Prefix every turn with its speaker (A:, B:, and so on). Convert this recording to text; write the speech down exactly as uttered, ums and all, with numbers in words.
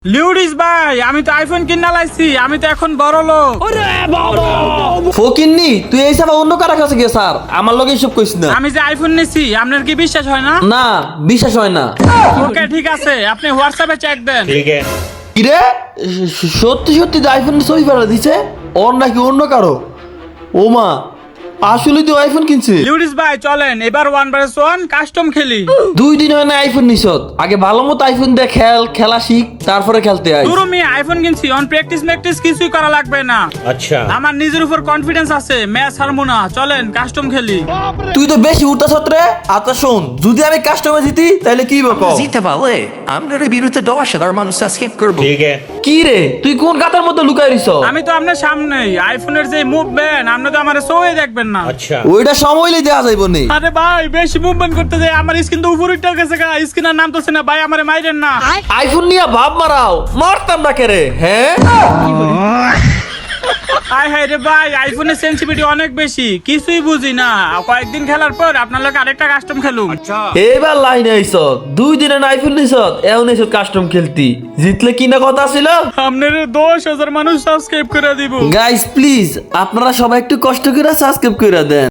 A: লিউডিস ভাই, আমি তো আইফোন কিনা লাইছি, আমি তো এখন বড় লোক।
B: ফকিন্নি তুই এই সব অন্য কারো কাছে গিয়ে স্যার আমার লগে এসব কইস না।
A: আমি যে আইফোন নিছি, আপনার কি বিশ্বাস হয় না?
B: না বিশ্বাস হয় না।
A: ওকে ঠিক আছে, আপনি হোয়াটসঅ্যাপে চেক দেন।
C: ठीक है।
B: কিরে সত্যি সত্যি আইফোন ছবি ফেলা দিছে ওর নাকি অন্য কারো? ও মা আসলে তুই আইফোন কিনছিস?
A: লিউডিস ভাই চলেন এবার ওয়ান ভার্সেস ওয়ান কাস্টম খেলি।
B: দুই দিন হয় না আইফোন নিছত, আগে ভালো মতো আইফোন দিয়ে খেল, খেলা শিখ, তারপরে খেলতে আই।
A: পুরো আমি আইফোন কিনছি, অন প্র্যাকটিস ম্যাকটিস কিছুই করা লাগবে না।
C: अच्छा
A: আমার নিজের উপর কনফিডেন্স আছে, ম্যাচ হারবো না। চলেন কাস্টম খেলি।
B: তুই তো বেশি উঠতাছ রে। আচ্ছা শোন, যদি আমি কাস্টমার জিতি তাহলে কি বকো?
D: জিতে পারলে আমরা বিরুদ্ধে দশ হাজার মানুষ সাবস্ক্রাইব করবো।
C: ठीक है।
B: কি রে তুই কোন গাতার মধ্যে লুকাই রিছ?
A: আমি তো আপনার সামনেই, আইফোনের যে মুভমেন্ট আপনি তো আমার সই দেখবেন না।
C: अच्छा
B: ওইটা সময় লই দেয়া যাইব নি।
A: আরে ভাই বেশি মুভমেন্ট করতে যায়, আমার স্ক্রিন তো উপরে উঠে গেছে গা, স্ক্রিনের নাম তো না ভাই, আমারে মাইরেন না।
B: আইফোন নিয়ে ভাব মারাও, মারতাম না কে রে? হ্যাঁ
A: আয় হায় রে ভাই, আইফোনের সেনসিটিভিটি অনেক বেশি, কিছুই বুঝি না। কয়েকদিন খেলার পর আপনার লোক আরেকটা কাস্টম খেলুম।
B: এবার লাইন আইছ, দুই দিনে আইফোন নিছ, এখন এসব কাস্টম খেলতি, জিতলে কি না কথা ছিল?
A: আপনার দশ হাজার মানুষ সাবস্ক্রাইব করে দিব।
B: গাইস প্লিজ আপনারা সবাই একটু কষ্ট করে সাবস্ক্রাইব করে দেন।